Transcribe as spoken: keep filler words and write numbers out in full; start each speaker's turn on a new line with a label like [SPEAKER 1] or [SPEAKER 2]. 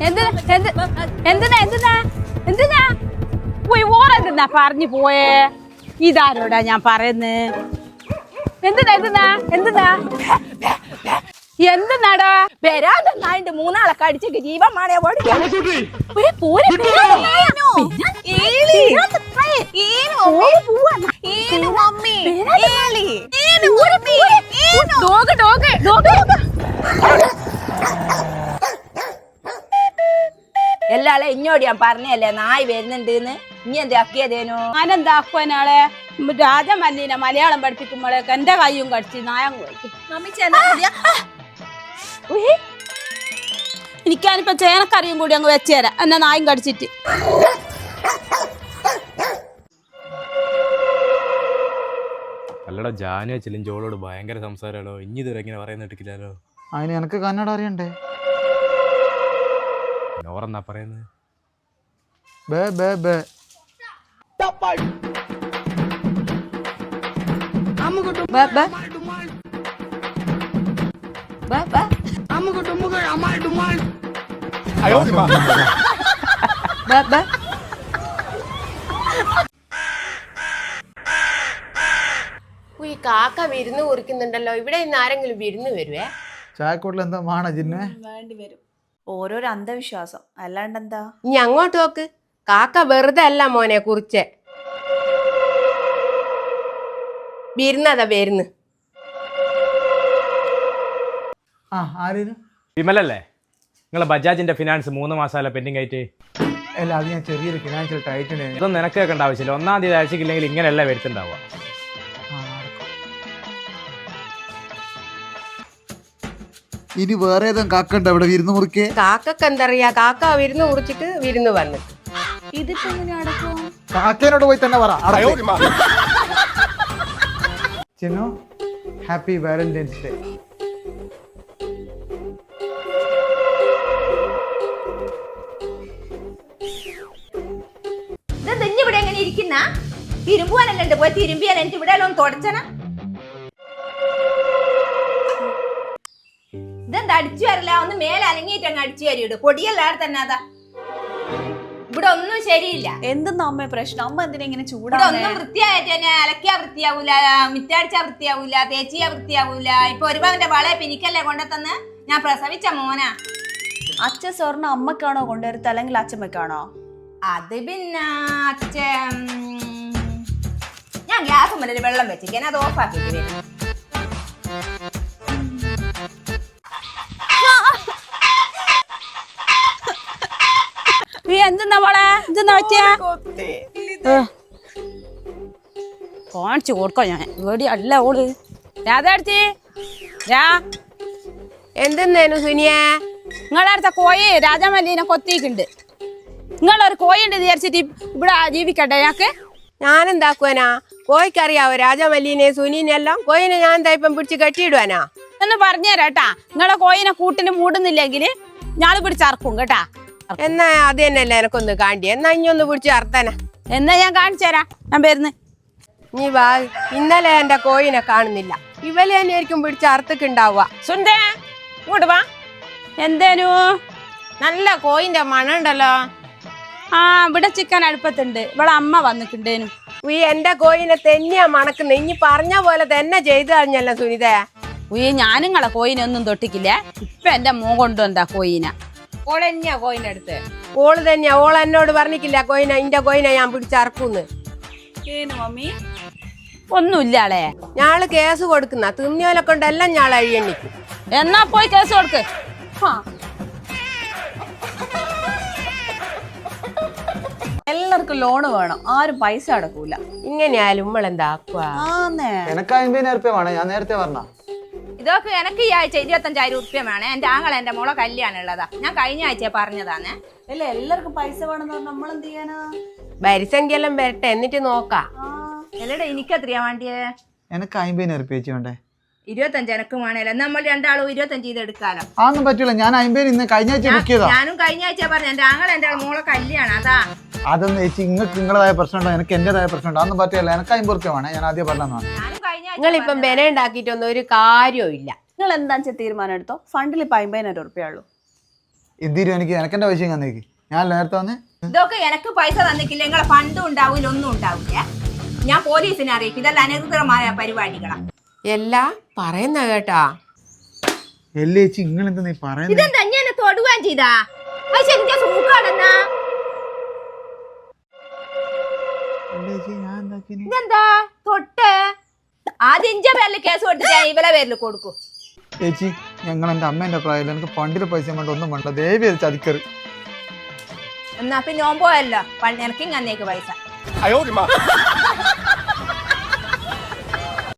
[SPEAKER 1] എന്തിനാ എന്തിനാ എന്തിനാ എന്തിനാ പോയി ഓരെന്തിനാ പറഞ്ഞു പോയേ? ഇതാരോടാ ഞാൻ പറയുന്നത്? എന്തിനാ എന്തിനാ എന്തിനാ എന്തിനാടാ?
[SPEAKER 2] വരാതെന്നായിട്ട് മൂന്നാളെ കടിച്ചിട്ട് ജീവൻ മാണേ എല്ലാളെ ഇഞ്ഞോട് ഞാൻ പറഞ്ഞല്ലേ നായി വരുന്നുണ്ട് ഇനി എന്താക്കിയതേനു?
[SPEAKER 1] ഞാനെന്താക്കുവനാളെ രാജമല്ലീനെ മലയാളം പഠിപ്പിക്കുമ്പോഴേക്ക് എന്റെ കയ്യും കടിച്ച് നായം പോയി. എനിക്കാനിപ്പോ ചേനക്കറിയും കൂടി അങ്ങ് വെച്ചുതരാം എന്നെ നായും കടിച്ചിട്ട്.
[SPEAKER 3] അല്ലടാ ജാനു വെച്ചാലും ജോളോട് ഭയങ്കര സംസാരമാണോ? ഇനി ഇതുവരെ ഇങ്ങനെ പറയുന്ന കേട്ടില്ലല്ലോ.
[SPEAKER 4] അതിന് എനിക്ക് കന്നഡ അറിയണ്ടേ?
[SPEAKER 3] ഓറെന്നാ പറയുന്നത്?
[SPEAKER 4] ബേ ബേ ബേ
[SPEAKER 5] ഈ കാക്ക വിരുന്ന് കുറിക്കുന്നുണ്ടല്ലോ. ഇവിടെ ഇന്ന് ആരെങ്കിലും വിരുന്ന് വരുവേ?
[SPEAKER 4] ചായക്കോട്ടിൽ എന്താ മാണ ജിന്നെ?
[SPEAKER 6] വേണ്ടി വരും. ഓരോരോ അന്ധവിശ്വാസം, അല്ലാണ്ട് എന്താ?
[SPEAKER 5] ഇനി അങ്ങോട്ട് നോക്ക്. കാക്ക വെറുതെ അല്ല മോനെ കുറിച്ചേ. വിരുന്നതാ വരുന്ന്.
[SPEAKER 4] ആ ആരേലും
[SPEAKER 3] വിമലല്ലേ? നിങ്ങളെ ബജാജിന്റെ ഫിനാൻസ് മൂന്ന് മാസമല്ല പെൻഡിങ് ആയിട്ട്?
[SPEAKER 4] അല്ല, അത് ഞാൻ ചെറിയൊരു ഫിനാൻഷ്യൽ ടൈറ്റിന്.
[SPEAKER 3] ഇതൊന്നും നിനക്ക് കേൾക്കേണ്ട ആവശ്യമില്ല. ഒന്നാം തീയതി അയച്ചില്ലെങ്കിൽ ഇങ്ങനെയല്ല വരുത്തുണ്ടാവുക.
[SPEAKER 4] ഇനി വേറെ ഏതും കാക്കണ്ട ഇവിടെ വിരുന്ന് മുറിക്കേ?
[SPEAKER 5] കാക്കക്ക് എന്തറിയാ? കാക്ക വിരുന്ന് കുറിച്ചിട്ട് വിരുന്ന് വന്നു.
[SPEAKER 6] ഇതിപ്പോ എങ്ങനെ അടക്കും?
[SPEAKER 4] കാക്കേനോട് പോയി തന്നെ പറ. Chinnu, happy Valentine's day.
[SPEAKER 2] ഇവിടെ എങ്ങനെ ഇരിക്കുന്ന? തിരുമ്പുവാനല്ലേ പോയി തിരുമ്പിയാൽ എനിക്ക് ഇവിടെ എല്ലാം തുടച്ചന. ഇതെന്താ അടിച്ചു വരില്ല? ഒന്ന് മേലെ അലങ്ങിയിട്ട് അങ്ങ് അടിച്ചു വരിയിട്. പൊടിയല്ലാതെ തന്നെ അതാ. ഇവിടെ ഒന്നും ശരിയില്ല.
[SPEAKER 6] എന്തെന്നാ അമ്മ പ്രശ്നം? അമ്മ എന്തിനാ ഇങ്ങനെ
[SPEAKER 2] ഇവിടെ
[SPEAKER 6] ചൂടാവുന്നേ?
[SPEAKER 2] ഒന്നും വൃത്തിയായിട്ട് തന്നെ അലക്കിയാ വൃത്തിയാവൂല, മിറ്റടിച്ചാ വൃത്തിയാവൂല, തേച്ചിയാ വൃത്തിയാവൂല. ഇപ്പൊ ഒരുപാടിന്റെ വളയെ പിനിക്കല്ലേ കൊണ്ടെത്തന്ന്? ഞാൻ പ്രസവിച്ച മോനാ.
[SPEAKER 6] അച്ഛൻ സ്വർണ്ണ അമ്മക്കാണോ കൊണ്ടുവരുത്ത അല്ലെങ്കിൽ അച്ഛമ്മക്കാണോ?
[SPEAKER 2] അത് പിന്നെ അച്ഛൻ ഞാൻ ഗ്യാസ് മുന്നിൽ വെള്ളം വെച്ചിരിക്കാൻ അത് ഓഫാക്കിട്ട് വരും.
[SPEAKER 1] എന്തെന്നാ മോളെ? എന്തെന്നാ പറ്റിയ? കാണിച്ചു കൊടുക്കാം ഞാൻ. ഇവിടെ അല്ല ഓള് രാധടുത്തി രാ.
[SPEAKER 5] എന്തെന്നേനു സുനിയെ?
[SPEAKER 1] നിങ്ങളടുത്ത കോഴി രാജമല്ലീനെ കൊത്തിയിട്ടുണ്ട്. നിങ്ങളൊരു കോഴി ഉണ്ട് വിചാരിച്ചിട്ട് ഇവിടെ ജീവിക്കട്ടെ ഞങ്ങക്ക്?
[SPEAKER 5] ഞാനെന്താക്കുവാനാ? കോഴിക്കറിയാവോ രാജമല്ലീനെ സുനീനെ എല്ലാം? കോഴിനെ ഞാൻ എന്താ ഇപ്പം പിടിച്ച് കെട്ടിയിടുവാനാ?
[SPEAKER 1] എന്ന് പറഞ്ഞുതരാട്ടാ. നിങ്ങളെ കോഴിനെ കൂട്ടിന് മൂടുന്നില്ലെങ്കിൽ ഞാള് പിടിച്ചറക്കും കേട്ടാ.
[SPEAKER 5] എന്നാ അത് തന്നെയല്ലേ എനക്കൊന്ന് കാണ്ടി. എന്നാ ഇഞ്ഞൊന്ന് പിടിച്ച് അർത്തന.
[SPEAKER 1] എന്നാ ഞാൻ കാണിച്ചു തരാം. ഞാൻ വരുന്നു.
[SPEAKER 5] നീ വാ. ഇന്നലെ എന്റെ കോഴിനെ കാണുന്നില്ല. ഇവലെ തന്നെയായിരിക്കും പിടിച്ച് അറുത്തക്കുണ്ടാവുക.
[SPEAKER 1] സുന്ദേ ഇങ്ങോട്ട് വാ. എന്തേനു? നല്ല കോഴിന്റെ മണം ഉണ്ടല്ലോ. ആ ഇവിടെ ചിക്കൻ അടുപ്പത്തുണ്ട്. ഇവിടെ അമ്മ വന്നിട്ടുണ്ടേനു.
[SPEAKER 5] ഈ എന്റെ കോഴിനെ തന്നെയാ മണക്കുന്നത്. ഇനി പറഞ്ഞ പോലെ തന്നെ ചെയ്തു കഴിഞ്ഞല്ലോ സുനിത.
[SPEAKER 1] ഉയ്യ ഞാനും നിങ്ങളെ കോഴിനെ ഒന്നും തൊട്ടിക്കില്ലേ. ഇപ്പൊ എന്റെ മോ കൊണ്ടുവന്നാ കോഴിനെ.
[SPEAKER 2] ഓളെന്നെയാ കോയിന്റെ അടുത്ത്.
[SPEAKER 5] ഓള് തന്നെയാ. ഓൾ എന്നോട് പറഞ്ഞിട്ടില്ല കോഴിനെ ഇന്റെ കോഴിനെ ഞാൻ പിടിച്ചറക്കൂന്ന്.
[SPEAKER 6] മമ്മി
[SPEAKER 1] ഒന്നുമില്ലാളെ.
[SPEAKER 5] ഞാള് കേസ് കൊടുക്കുന്ന തിന്നിയോലെ കൊണ്ടെല്ലാം ഞാൾ അഴിയണ്ണിക്കും.
[SPEAKER 1] എന്നാ പോയി കേസ് കൊടുക്ക്.
[SPEAKER 6] എല്ലാവർക്കും ലോണ് വേണം, ആരും പൈസ അടക്കൂല.
[SPEAKER 5] ഇങ്ങനെയായാലും നമ്മളെന്താക്കുക?
[SPEAKER 4] എനക്ക് അമ്പതിനായിരം റുപ്യ വേണം. ഞാൻ നേരത്തെ പറഞ്ഞ
[SPEAKER 2] ഇതൊക്കെ എനിക്ക് ഈ ആഴ്ച ഇരുപത്തഞ്ചായിരം ഉറുപ്പ്യ വേണം. എന്റെ ആങ്ങളെ എന്റെ മോളെ കല്യാണം ഉള്ളതാ. ഞാൻ കഴിഞ്ഞ ആഴ്ച പറഞ്ഞതാണ്.
[SPEAKER 6] അല്ല എല്ലാവർക്കും പൈസ വേണമെന്ന് പറഞ്ഞാൽ നമ്മളെന്ത് ചെയ്യാനാ?
[SPEAKER 5] ഭരിസംഖ്യെല്ലാം വരട്ടെ എന്നിട്ട് നോക്കാം.
[SPEAKER 2] എല്ലടെ എനിക്ക് എത്രയാ വേണ്ടിയേ?
[SPEAKER 4] എനക്ക് അമ്പതിനായിരം റുപ്യ വെച്ച് വേണ്ടേ?
[SPEAKER 2] ഇരുപത്തഞ്ച് എനക്ക് വേണേലോ. നമ്മൾ രണ്ടാളും ഇരുപത്തഞ്ച് ചെയ്ത് എടുക്കാലോ.
[SPEAKER 4] അതൊന്നും പറ്റൂല. ഞാൻ അമ്പതിന് ഇന്ന് കഴിഞ്ഞ ആഴ്ച ബുക്ക് ചെയ്താ.
[SPEAKER 2] ഞാനും കഴിഞ്ഞ ആഴ്ച പറഞ്ഞു എന്റെ ആങ്ങളെ എന്റെ മോളെ കല്യാണം അതാ.
[SPEAKER 4] അതൊന്നും ചേച്ചി നിങ്ങൾക്ക് നിങ്ങളതായ പ്രശ്നമുണ്ടോ? എനിക്ക് എന്റേതായ പ്രശ്നമുണ്ടോ? അതൊന്നും പറ്റില്ല. എനിക്ക് അമ്പത് റുപ്യ വേണേ. ഞാൻ ആദ്യം പറഞ്ഞതാണ്.
[SPEAKER 5] നിങ്ങളിപ്പം ബെന ഉണ്ടാക്കിയിട്ടൊന്നും ഒരു കാര്യവും ഇല്ല.
[SPEAKER 6] നിങ്ങൾ എന്താ വെച്ചാൽ തീരുമാനം എടുത്തോ. ഫണ്ടിൽ ഇപ്പൊ അമ്പതിനായിരം ഉറുപ്പ്യ ഉള്ളൂ.
[SPEAKER 4] എന്തിരും എനിക്ക് എനക്കെന്റെ പൈസ തന്നേക്ക്. ഞാൻ നേരത്തെ വന്ന്
[SPEAKER 2] ഇതൊക്കെ എനക്ക് പൈസ തന്നിക്കില്ല, നിങ്ങളെ ഫണ്ടും ഉണ്ടാവില്ല, ഒന്നും ഉണ്ടാവില്ല. ഞാൻ പോലീസിനെ അറിയിക്കും. ഇതെല്ലാം അനധികൃതമായ പരിപാടികളാ.
[SPEAKER 5] എല്ലാ പറയുന്ന കേട്ടാ.
[SPEAKER 4] എല്ലേ ചേച്ചി നിങ്ങൾ എന്താ നീ പറയുന്നത്?
[SPEAKER 2] ഇതെന്താ ഞാൻ തൊടുവാൻ ചെയ്താ? അത് ശരിക്കും സൂക്കാണെന്നാ.
[SPEAKER 4] ഞാൻ എന്താക്കിനി?
[SPEAKER 2] ഇതെന്താ തൊട്ട് ആദ്യം ഇഞ്ച പേരിൽ കേസ് കൊടുത്തിട്ട് ഇവലെ പേരിൽ കൊടുക്കും.
[SPEAKER 4] ചേച്ചി ഞങ്ങൾ എന്റെ അമ്മേന്റെ പ്രായം എനിക്ക് പണ്ടിലെ പൈസ വേണ്ട, ഒന്നും വേണ്ട, ദേവി ചതിക്കറ്.
[SPEAKER 2] എന്നാ പിന്നെ ഓൻ പോയല്ലോ, എനിക്കും അന്നേക്ക് പൈസ.